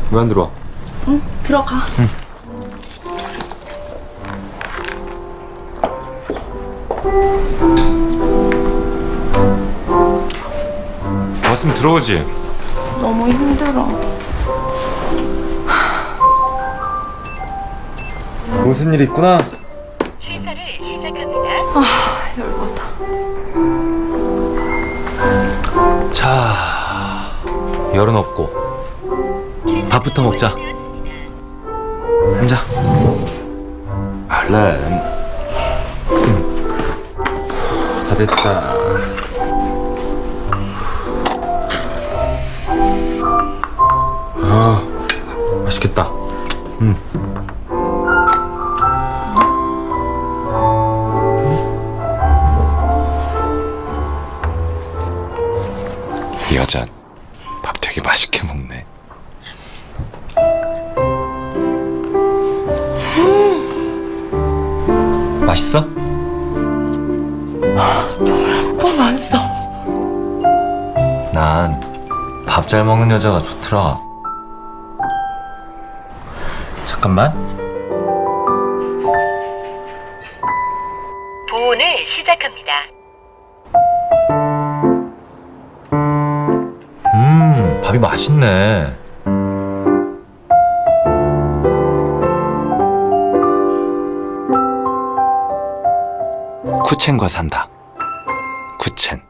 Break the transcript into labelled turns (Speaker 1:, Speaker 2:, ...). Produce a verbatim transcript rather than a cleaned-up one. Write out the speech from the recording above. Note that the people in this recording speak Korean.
Speaker 1: 왜 안 들어와?
Speaker 2: 응, 들어가.
Speaker 1: 응. 왔으면 들어오지.
Speaker 2: 너무 힘들어.
Speaker 1: 무슨 일 있구나.
Speaker 3: 취사를 시작합니다.
Speaker 2: 아, 열받아.
Speaker 1: 자, 열은 없고 밥부터 먹자. 앉아. 얼른. 다 됐다. 아, 맛있겠다. 음. 이 여자 밥 되게 맛있게 먹네. 맛있어?
Speaker 2: 너무 맛있어.
Speaker 1: 난 밥 잘 먹는 여자가 좋더라. 잠깐만.
Speaker 3: 보온을 시작합니다.
Speaker 1: 음, 밥이 맛있네. 쿠첸과 산다. 쿠첸.